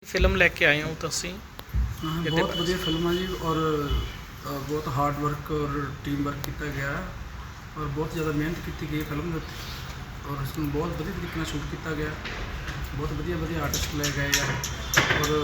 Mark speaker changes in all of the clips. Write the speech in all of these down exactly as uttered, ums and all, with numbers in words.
Speaker 1: Film ਲੈ ਕੇ ਆਏ ਹੋ ਤੁਸੀਂ?
Speaker 2: हाँ,
Speaker 1: ਇਹਦੇ
Speaker 2: बहुत
Speaker 1: ਬਾਰੇ
Speaker 2: वधिया फिल्म है जी। और अ, बहुत हार्ड वर्क और टीम वर्क किया गया है और बहुत ज़्यादा मेहनत की गई फिल्म ਦੇ ਉੱਤੇ और इसमें बहुत वधिया तरीके ਨਾਲ शूट किया गया। बहुत वधिया वधिया आर्टिस्ट ले गए ਆ और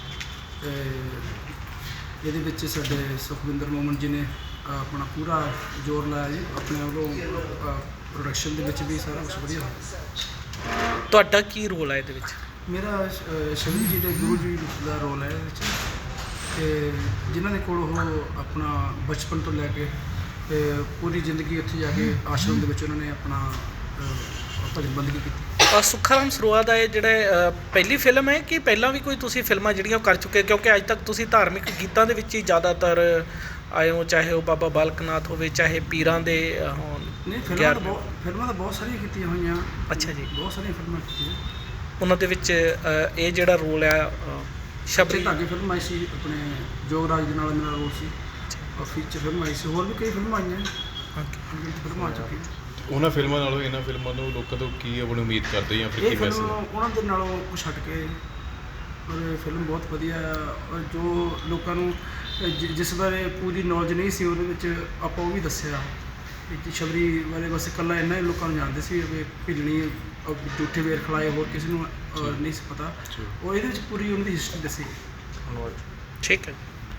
Speaker 2: ਇਹਦੇ ਵਿੱਚ ਸਾਡੇ ਸੁਖਵਿੰਦਰ ਮੋਮਨ ਜੀ ਨੇ ਆਪਣਾ ਪੂਰਾ ਜ਼ੋਰ ਲਾਇਆ ਜੀ ਆਪਣੇ ਵੱਲੋਂ। ਪ੍ਰੋਡਕਸ਼ਨ ਦੇ ਵਿੱਚ ਵੀ ਸਾਰਾ ਕੁਝ ਵਧੀਆ ਹੋਇਆ।
Speaker 1: ਤੁਹਾਡਾ ਕੀ ਰੋਲ ਹੈ ਇਹਦੇ ਵਿੱਚ?
Speaker 2: ਮੇਰਾ ਅ, ਸ਼ਿਵ ਜੀ ਦੇ ਗੁਰੂ ਜੀ ਦਾ ਰੋਲ ਹੈ ਇਹਦੇ ਵਿੱਚ ਤੇ ਜਿਨ੍ਹਾਂ ਦੇ ਕੋਲ ਉਹ ਆਪਣਾ ਬਚਪਨ ਤੋਂ ਲੈ ਕੇ ਤੇ ਪੂਰੀ ਜ਼ਿੰਦਗੀ ਉੱਥੇ ਜਾ ਕੇ ਆਸ਼ਰਮ ਦੇ ਵਿੱਚ ਉਹਨਾਂ ਨੇ ਆਪਣਾ ਅ, ਭਜਨ ਬੰਦਗੀ ਕੀਤੀ।
Speaker 1: ਅ, ਸੁੱਖਾ ਰਾਮ ਸਰੋਆ ਦਾ ਇਹ ਜਿਹੜਾ ਅ, ਪਹਿਲੀ ਫਿਲਮ ਹੈ ਕਿ ਪਹਿਲਾਂ ਵੀ ਕੋਈ ਤੁਸੀਂ ਫਿਲਮਾਂ ਜਿਹੜੀਆਂ ਉਹ ਕਰ ਚੁੱਕੇ? ਕਿਉਂਕਿ ਅੱਜ ਤੱਕ ਤੁਸੀਂ ਧਾਰਮਿਕ ਗੀਤਾਂ ਦੇ ਵਿੱਚ ਹੀ ਜ਼ਿਆਦਾਤਰ ਆਏ ਹੋ, ਚਾਹੇ ਉਹ ਬਾਬਾ ਬਾਲਕ ਨਾਥ ਹੋਵੇ, ਚਾਹੇ ਪੀਰਾਂ ਦੇ ਅ, ਹੋਣ।
Speaker 2: ਨਹੀਂ, ਫਿਲਮਾਂ ਤਾਂ ਬਹੁਤ ਫਿਲਮਾਂ ਤਾਂ ਬਹੁਤ ਸਾਰੀਆਂ ਕੀਤੀਆਂ ਹੋਈਆਂ।
Speaker 1: ਅੱਛਾ ਜੀ।
Speaker 2: ਬਹੁਤ ਸਾਰੀਆਂ ਫਿਲਮਾਂ ਕੀਤੀਆਂ।
Speaker 1: ਉਹਨਾਂ ਦੇ ਵਿੱਚ ਅ, ਇਹ ਜਿਹੜਾ ਰੋਲ ਹੈ ਅ, ਸ਼ਬਰੀ
Speaker 2: ਧਾਗੇ ਫਿਲਮ ਆਈ ਸੀ ਆਪਣੇ ਜੋਗਰਾਜ ਦੇ ਨਾਲ ਮੇਰਾ ਰੋਲ ਸੀ ਔਰ ਫੀਚਰ ਫਿਲਮ ਆਈ ਸੀ। ਹੋਰ ਵੀ ਕਈ ਫਿਲਮਾਂ ਆਈਆਂ।
Speaker 1: ਓਕੇ।
Speaker 2: ਫਿਲਮਾਂ ਆ ਚੁੱਕੀਆਂ।
Speaker 3: ਉਹਨਾਂ ਫਿਲਮਾਂ ਨਾਲੋਂ ਇਹਨਾਂ ਫਿਲਮਾਂ ਨੂੰ ਲੋਕਾਂ ਤੋਂ ਕੀ ਆਪਣੀ ਉਮੀਦ ਕਰਦੇ ਜਾਂ ਫਿਰ
Speaker 2: ਇਹ
Speaker 3: ਕੀ
Speaker 2: ਫਿਲਮ
Speaker 3: ਮੈਸੇਜ?
Speaker 2: ਉਹਨਾਂ ਦੇ ਨਾਲੋਂ ਕੁਛ ਹਟ ਕੇ ਔਰ ਇਹ ਫਿਲਮ ਬਹੁਤ ਵਧੀਆ ਆ ਔਰ ਜੋ ਲੋਕਾਂ ਨੂੰ ਜਿ- ਜਿਸ ਬਾਰੇ ਪੂਰੀ ਨੌਲੇਜ ਨਹੀਂ ਸੀ ਉਹਦੇ ਵਿੱਚ ਆਪਾਂ ਉਹ ਵੀ ਦੱਸਿਆ ਕਿ ਸ਼ਬਰੀ ਬਾਰੇ ਬਸ ਇਕੱਲਾ ਇੰਨਾ ਹੀ ਲੋਕਾਂ ਨੂੰ ਜਾਣਦੇ ਸੀ ਵੀ ਭਿੱਲਣੀ ਔਰ ਝੂਠੇ ਵੇਰ ਖਲਾਏ, ਹੋਰ ਕਿਸੇ ਨੂੰ ਅ, ਨਹੀਂ ਸੀ ਪਤਾ। ਉਹ ਇਹਦੇ ਵਿੱਚ ਪੂਰੀ ਉਹਨਾਂ ਦੀ ਹਿਸਟਰੀ ਦੱਸੀ।
Speaker 1: ਠੀਕ ਹੈ।